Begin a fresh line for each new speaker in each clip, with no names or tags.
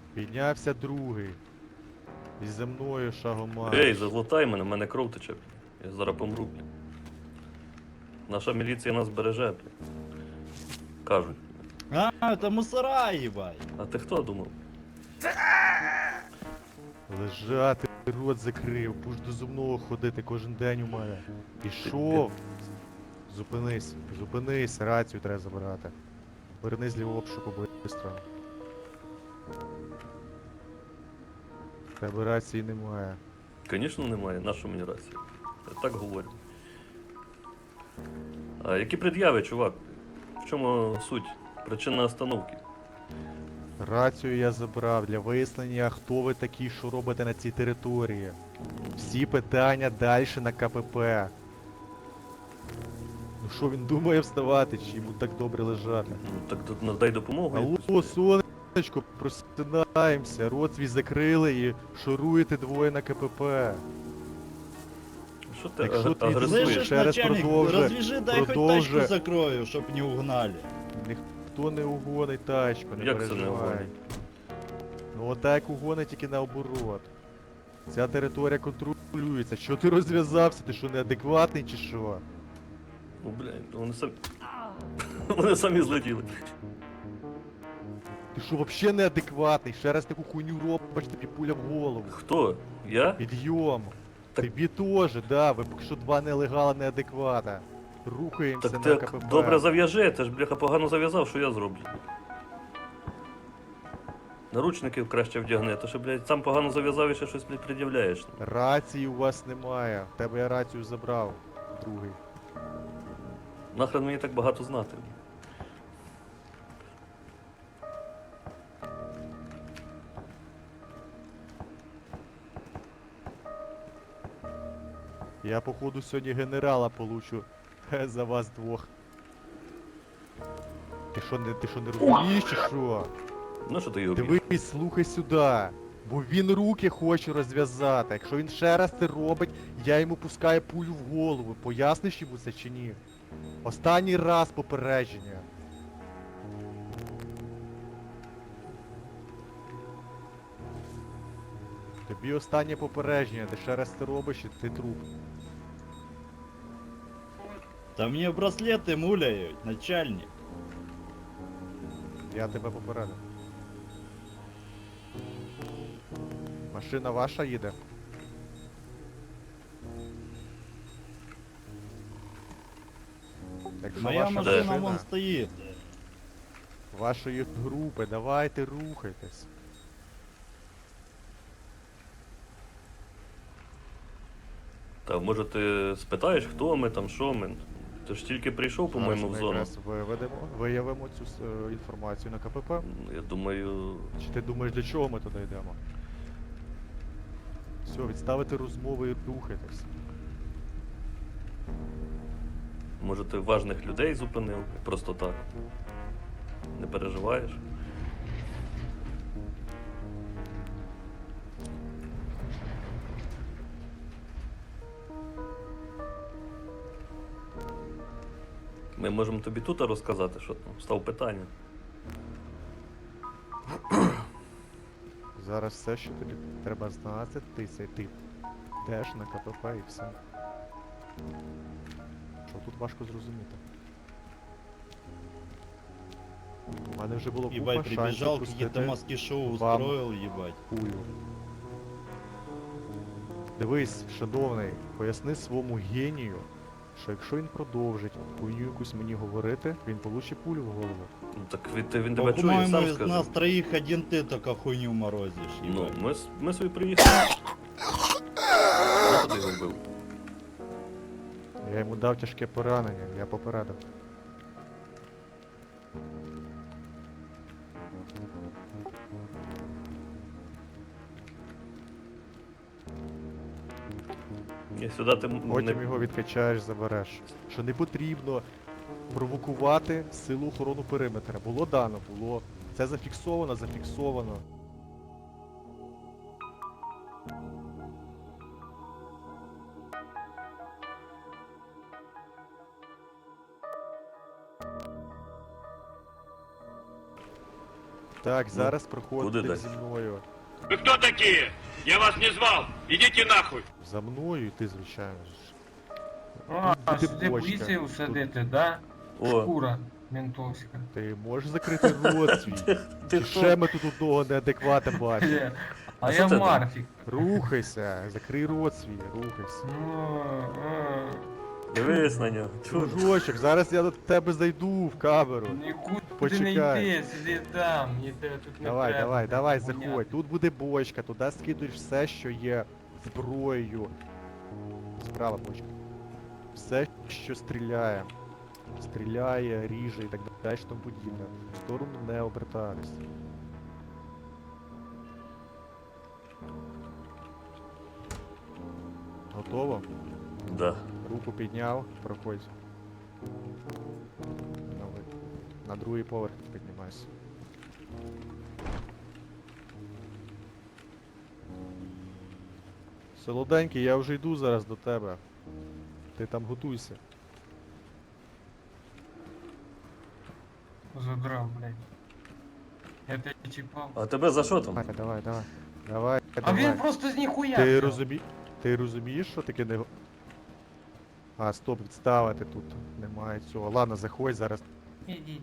Піднявся другий. І за мною шагом марш.
Ей, заглотай мене, в мене кров тече. Я зараз помру, блін. Наша міліція нас береже, блін. Кажуть.
А, это мусора, ебать.
А ти хто думав?
Лежати, рот закрив, будеш до зубного ходити кожен день у мене. Пішов. Зупинись, зупинись, рацію треба забирати. Вернись з лівого обшуку быстро. В тебе рації немає.
Звісно, немає, нашу мені рацію. Я так говорю. А які пред'яви, чувак? В чому суть? Причина остановки?
Рацію я забрав для вияснення, хто ви такі, що робите на цій території. Всі питання далі на КПП. Ну що він думає вставати, чи йому так добре лежати?
Ну так надай допомогу.
Алло, сонечко, просинаємося, рот свій закрили і шуруєте двоє на КПП.
Що ти
Якщо ти
агресуєш?
Слышиш?
Слышишь,
Ще раз
начальник,
продовжуй,
развяжи, дай хоть
продовжуй.
тачку закрою, чтоб не угнали.
Ніхто не угонить тачку, не
Як це не
переживай.
угонить?
Ну отак угонить тільки наоборот. Ця територія контролюється. Що ти розв'язався? Ти що, неадекватний чи що?
Ну, блядь, вони самі... Вони самі злетіли.
Ти що, взагалі неадекватний? Ще раз таку хуйню робиш, тобі пуля в голову.
Хто? Я?
Підйом.
Так-
Тобі теж, да, ви поки що два нелегала неадеквата. Рухаємося
Так
на
ти
КПП.
добре зав'яжи, ти ж, бляха, погано зав'язав, що я зроблю? Наручників краще вдягни, то що, блядь, сам погано зав'язав і ще щось, блядь, пред'являєш.
Рації у вас немає. В тебе я рацію забрав. Другий.
Нахрен мені так багато знати.
Я походу сьогодні генерала получу за вас двох. Ти що не розумієш чи що?
Ну що ти його б'єш?
Дивись, слухай сюди. Бо він руки хоче розв'язати. Якщо він ще раз це робить, я йому пускаю пулю в голову. Поясниш йому це чи ні? Останній раз попередження. Тобі останнє попередження, ти ще раз це робиш і ти труп.
Да мне браслеты муляют, начальник.
Я тебе попередив. Машина ваша їде. Якщо
Моя
ваша
машина вон стоит.
вашої групи, давайте рухайтесь.
Та може ти спитаєш, хто ми там, що ми? Ти ж тільки прийшов, по-моєму, в
Зараз ми
зону.
якраз виявимо цю інформацію на КПП.
Ну, я думаю,
Чи ти думаєш, для чого ми туди йдемо? Все, відставити розмови і рухайтесь.
може ти важних людей зупинив, просто так. Не переживаєш? Ми можемо тобі тут розказати, що там став питання.
Зараз все, що тобі треба знати, ти цей тип. Йдеш на КПП і все. Що тут важко зрозуміти? У мене вже було купа
Ебать,
шансів
прибежал, какие-то
пустити
маски-шоу
вам.
устроил, ебать.
пулю. Дивись, шановний, поясни своєму генію, що якщо він продовжить хуйню якусь мені говорити, він получить пулю в голову.
Ну так він тебе чує,
По-моему,
сам
из
скаже.
нас троих один ты только хуйню морозишь,
Ну,
ебать.
ми собі приїхали. Куди його вбив?
Я йому дав тяжке поранення, я попередив.
Ні, сюди ти
Потім
не...
його відкачаєш, забереш. Що не потрібно провокувати силу охорону периметра. Було дано, було. Це зафіксовано, зафіксовано. Так, зараз
куди
проходите
далі?
зі мною.
Вы кто такие? Я вас не звал. Идите нахуй.
За мною і ти, звичайно ж.
А,
Тут буде
сюди
бочка.
поліцію садити, да?
О,
Шкура ментовська.
Ти можеш закрити рот свій?
Ти
Чи
хто?
ще ми тут одного неадеквата бачимо?
А
А
я
що це
Марфік.
Рухайся, закрий рот свій, рухайся.
дивись на нього. Чудо.
Дружочок, зараз я до тебе зайду в камеру.
Нікуди не
Почекай.
йди, сиди там, ніде тут не
Давай,
треба.
давай, давай,
гуляти.
заходь. Тут буде бочка, туди скидуєш все, що є зброєю. Справа бочка. Все, що стріляє. Стріляє, ріже і так далі, тому подібне. В сторону не обертатись. Готово?
Да.
Руку підняв, проходь. На другий поверх піднімайся. Солоденький, я вже йду зараз до тебе. Ти там готуйся.
Задрав, блядь. Я тебе чіпав.
А тебе за що там?
Давай, давай, давай. Давай,
А
давай.
він просто з ніхуя.
Ти,
взяв.
Ти розумієш, що таке не... А, стоп, відставити тут. Немає цього. Ладно, заходь зараз.
Іди.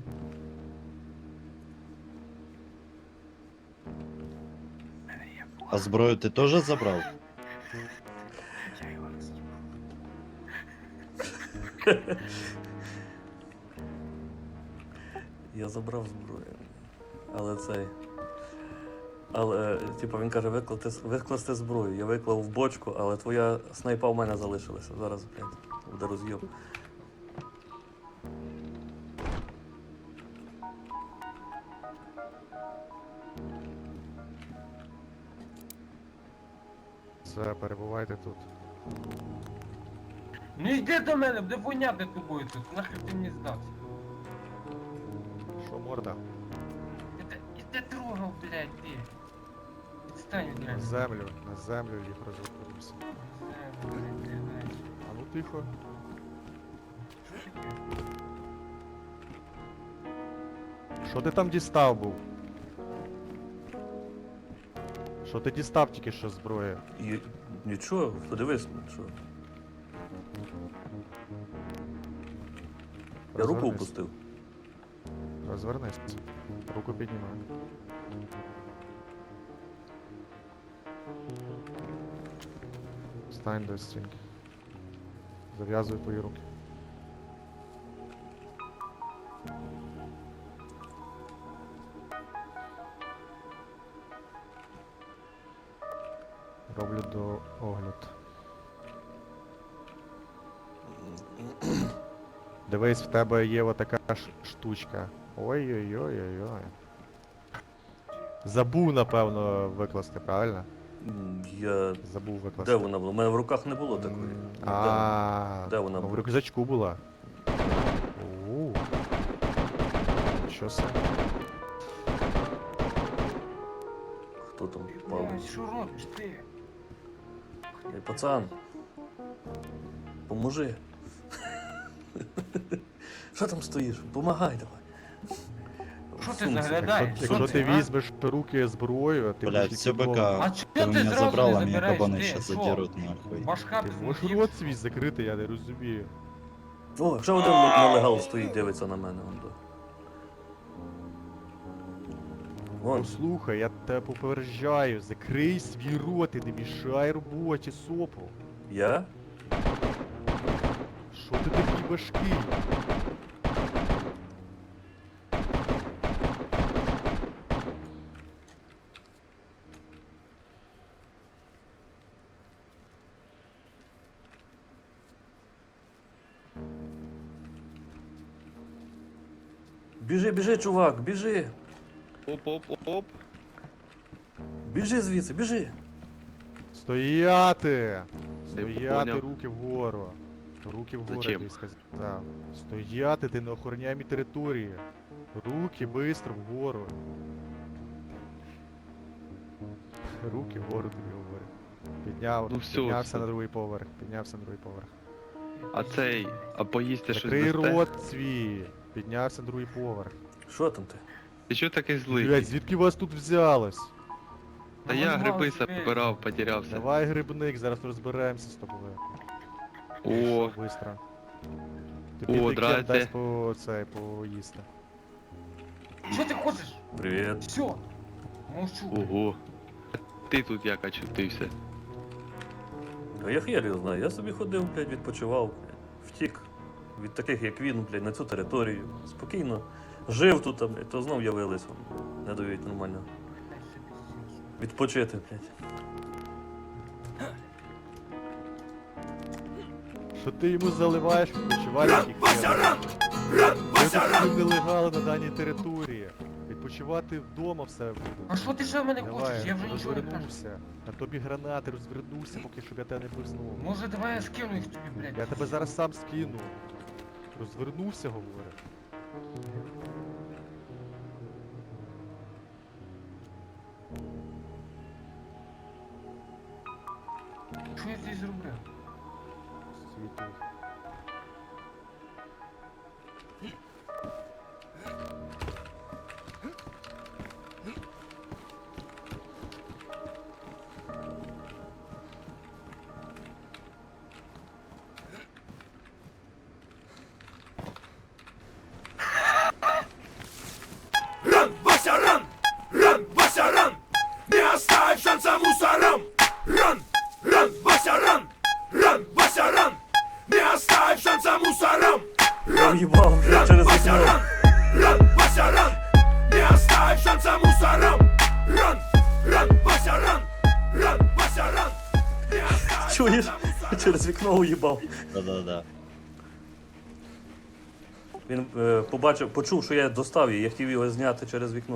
А зброю ти теж забрав?
Я його роз'їбав.
Я забрав зброю. Але цей. Але, типу, він каже, викласти зброю. Я виклав в бочку, але твоя снайпа в мене залишилася. Зараз, блядь, буде роз'єм.
Все, перебувайте тут.
Ну йди до мене, буде воняти тобою тут. Нахер ти мені здався.
Що, морда?
Іди трогав, блядь, ти. Відстань від мене.
На землю їх розрухаємося.
Блядь.
А ну тихо.
Що таке?
Що ти там дістав був? Що ти дістав тільки що зброї?
І нічого, подивись, що. Я руку
Розвернись.
опустив.
Розвернись. Руку піднімай. Стань до стінки. Зав'язуй твої руки. Роблю до огляд. Дивись, в тебе є отака штучка. Ой-ой-ой-ой-ой. Забув, напевно, викласти, правильно?
Я.
Забув викласти.
Де вона була? У мене в руках не було такої.
А,
Де вона
ну, в
була?
рюкзачку була. Що це?
Хто там
Блядь,
палить?
що робиш ти?
Ей, пацан. Поможи. Що там стоїш? Помагай давай.
Що ти
Сумці.
заглядаєш?
Якщо
Що
ти
а?
візьмеш в руки зброю, ти
Блядь,
будеш
все
ліквідований.
А
БК.
чого
Ты
ти
меня
зразу
забрал,
не
а меня
забираєш?
кабаны
Ти
сейчас
що?
задерут нахуй.
Башка
Ти
б
можеш
з'їв.
рот свій закрити, я не розумію.
О, ще один нелегал стоїть, дивиться на мене. Вон.
Послухай, я тебе попереджаю, закрий свій рот і не мішай роботі СОПу.
Я?
Що ти такий важкий?
Біжи, біжи, чувак, біжи.
Оп.
Біжи звідси, біжи.
Стояти!
Я
Стояти,
поняв.
руки вгору. Руки вгору,
Зачем?
я сказав. Стояти, ти на охороняємій території. Руки бистро вгору. Руки вгору тобі говорю. Підняв,
Ну всё,
піднявся
всё.
на другий поверх, піднявся на другий поверх.
А поїсти щось
Закрий
дасте?
рот свій. Піднявся на другий поверх.
Що там ти?
Ти чого такий злий?
Блядь, звідки вас тут взялось?
Та
Ну,
я
ви
гриби
мали
забирав, потерявся.
Давай грибник, зараз розберемося з тобою.
О,
Пішов быстро. Тобі
О,
Бікер
здрасте.
дасть поїсти.
Що ти хочеш?
Привіт.
Все. Мовчу.
ого. Ти тут як очутився?
А я хер його знаю, я собі ходив, блядь, відпочивав, блядь. Втік від таких, як він, блядь, на цю територію. Спокійно. Жив тут, блядь, то знов явились, не дають нормально. Відпочити, блядь.
Що ти йому заливаєш відпочивальників? Ви тут нелегали на даній території. Відпочивати вдома все буде.
А що ти ще в мене хочеш?
Давай,
Я вже нічого не кажу.
розвернувся. На тобі гранати, розвернувся, поки щоб я тебе не пизнув.
Може давай я скину їх тобі, блядь.
Я тебе зараз сам скину. Розвернувся, говорю.
Що я здесь зроблю?
Світу.
Ран, Вася, ран! Ран, Вася, ран! Не оставь шанса мусорам! Ран! Ран, Вася, ран! Ран, Вася, ран! Не оставь шанса мусорам!
Я в'їбав, блядь, через
Вася,
вікно.
ран! Ран, Вася, ран! Не оставь шанса мусорам! Ран! Ран, Вася, ран! Ран, Вася, ран! Не оставь
Чуєш?
шанса мусорам!
Через вікно уїбав.
Да-да-да.
Він почув, що я достав її, я хотів його зняти через вікно.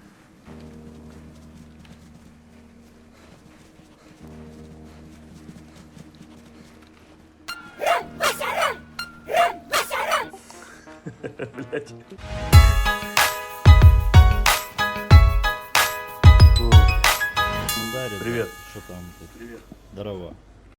Блять.
Ну да, ребят,
Привет.
что там? Привет. Здорово.